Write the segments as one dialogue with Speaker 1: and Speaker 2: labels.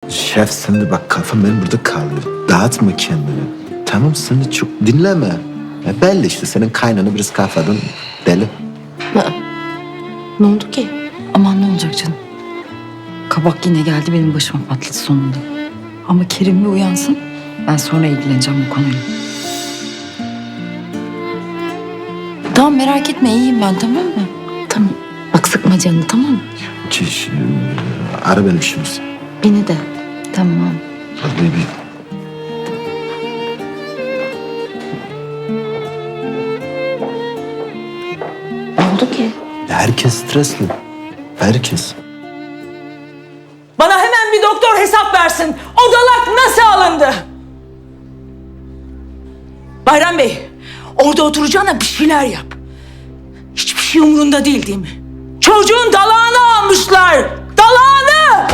Speaker 1: Şef şimdi bak kafam benim burada kaldı. Dağıtma kendini. Tamam seni çok dinleme. Ya belli işte senin kaynana biraz kafadan deli.
Speaker 2: Ne oldu ki?
Speaker 3: Aman ne olacak canım. Kabak yine geldi benim başıma patladı sonunda. Ama Kerim bir uyansın. Ben sonra ilgileneceğim bu konuyla. Tamam merak etme iyiyim ben tamam mı?
Speaker 2: Tamam. Bak sıkma canını tamam mı?
Speaker 1: Çiş, ara benim şimdi.
Speaker 2: Beni de.
Speaker 3: Tamam.
Speaker 1: Hadi bir.
Speaker 2: Ne oldu ki?
Speaker 1: Herkes stresli. Herkes.
Speaker 4: Bana hemen bir doktor hesap versin. O dalak nasıl alındı? Bayram Bey, orada oturacağına bir şeyler yap. Hiçbir şey umurunda değil mi? Çocuğun dalağını almışlar. Dalağını!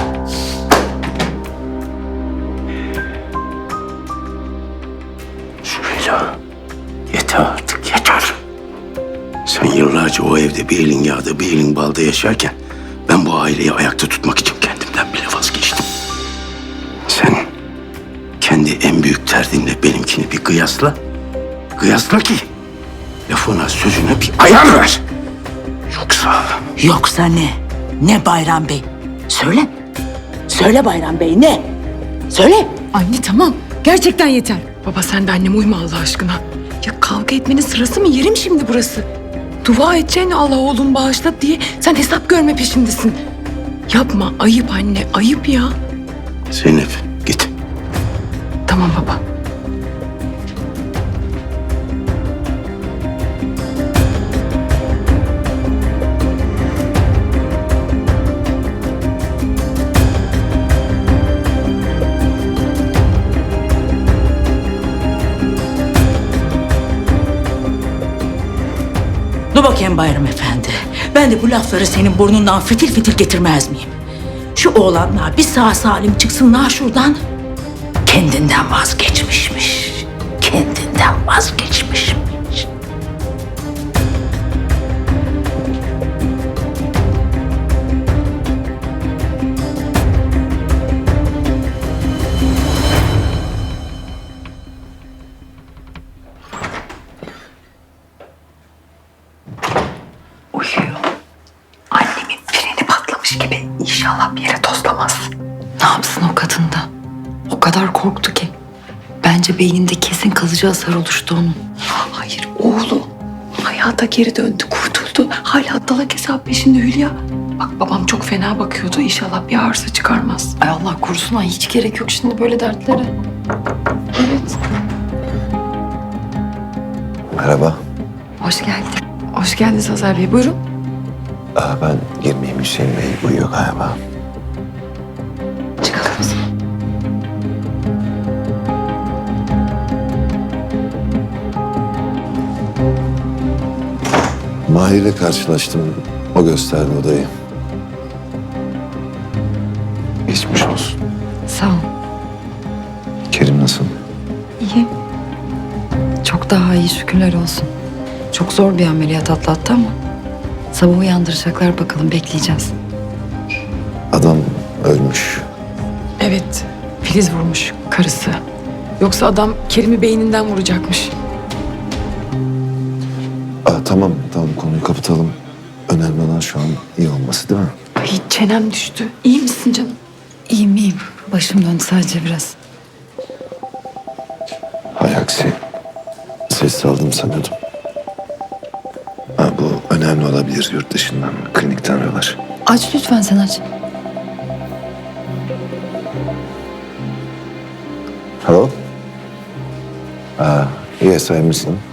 Speaker 5: Süheyla, yeter artık, yeter. Sen yıllarca o evde bir elin yağda bir elin balda yaşarken ben bu aileyi ayakta tutmak için kendimden bile vazgeçtim. Sen kendi en büyük derdinle benimkini bir kıyasla. Kıyasla ki lafına sözüne bir ayar ver.
Speaker 4: Yoksa ne? Ne Bayram Bey? Söyle. Söyle Bayram Bey ne? Söyle.
Speaker 6: Anne tamam. Gerçekten yeter. Baba sen de anneme uyma Allah aşkına. Ya kavga etmenin sırası mı? Yerim şimdi burası. Dua edeceğine Allah oğlum bağışla diye sen hesap görme peşindesin. Yapma. Ayıp anne. Ayıp ya.
Speaker 5: Zeynep git.
Speaker 6: Tamam baba.
Speaker 4: Dur bakayım Bayram Efendi. Ben de bu lafları senin burnundan fitil fitil getirmez miyim? Şu oğlanlar bir sağ salim çıksınlar şuradan. Kendinden vazgeçmişmiş. Kendinden vazgeçmişmiş.
Speaker 3: Uyuyor. Annemin freni patlamış gibi. İnşallah bir yere tozlamaz. Ne yapsın o kadın da? O kadar korktu ki. Bence beyninde kesin kalıcı hasar oluştu onun.
Speaker 6: Hayır oğlu. Hayata geri döndü. Kurtuldu. Hala dalak hesap peşinde Hülya. Bak babam çok fena bakıyordu. İnşallah bir arıza çıkarmaz.
Speaker 3: Ay Allah korusun ay hiç gerek yok şimdi böyle dertlere.
Speaker 6: Evet.
Speaker 1: Merhaba.
Speaker 3: Hoş geldin.
Speaker 6: Hoş geldiniz Hazar Bey. Buyurun.
Speaker 1: Ben girmeyeyim Hüseyin Bey uyuyor galiba.
Speaker 3: Çıkalım biz.
Speaker 1: Mahir'le karşılaştım. O gösterdi odayı. Geçmiş olsun.
Speaker 3: Sağ ol.
Speaker 1: Kerim nasıl?
Speaker 3: İyi. Çok daha iyi şükürler olsun. Çok zor bir ameliyat atlattı ama sabah uyandıracaklar bakalım bekleyeceğiz.
Speaker 1: Adam ölmüş.
Speaker 6: Evet. Filiz vurmuş karısı. Yoksa adam Kerim'i beyninden vuracakmış.
Speaker 1: Tamam konuyu kapatalım. Önemli olan şu an iyi olması değil mi?
Speaker 6: Ay çenem düştü. İyi misin canım?
Speaker 3: İyiyim iyiyim. Başım döndü sadece biraz.
Speaker 1: Hay aksi. Ses aldım sanıyordum. Bu önemli olabilir yurt dışından. Klinikten arıyorlar.
Speaker 3: Aç lütfen sen aç.
Speaker 1: Hello? Yes, I'm listening.